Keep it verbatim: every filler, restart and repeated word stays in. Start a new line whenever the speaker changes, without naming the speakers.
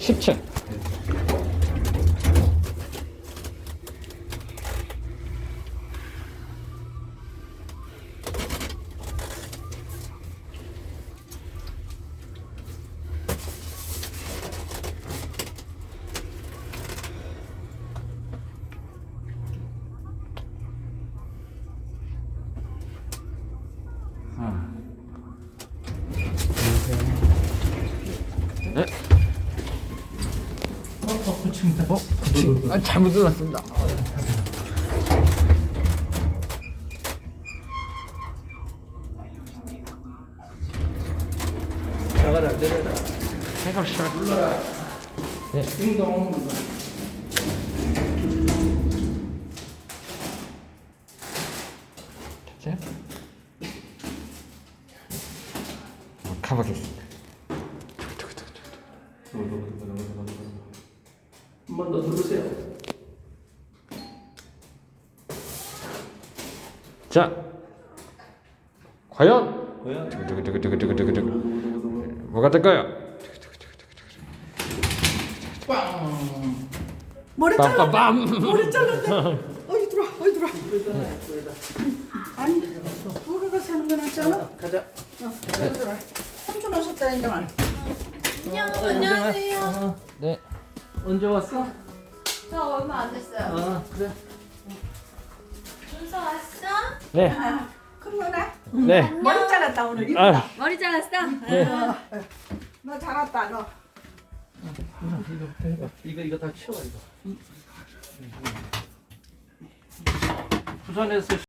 십 층. 네.
어, 어, 고칩니다.
어? 아, 잘못 눌렀습니다.
나가라, 내려라.
생각 시작.
눌러라.
네.
띵동.
됐어요? 한번 가보겠습니다.
한 번 더 누르세요.
자, 과연
뭐야?
두구두구두구두구두구두구 뭐가 될까요?
빵.
머리 잘랐다.
빰빰빰.
머리 잘랐다. 어이 들어와. 어이 들어와. 아니 누가 가서 하는 건 없잖아.
가자.
어, 어이 들어와. 삼촌 오셨다니까.
안녕하세요.
네.
언제 왔어?
저 얼마 안 됐어요.
아, 그래.
준서 왔어?
네.
아, 큰 거나.
네.
머리 잘랐다 오늘. 이쁘다.
아,
머리 잘랐어?
네.
너 잘랐다 너.
이거부터 해봐. 이거 이거 다 치워 이거. 부산에서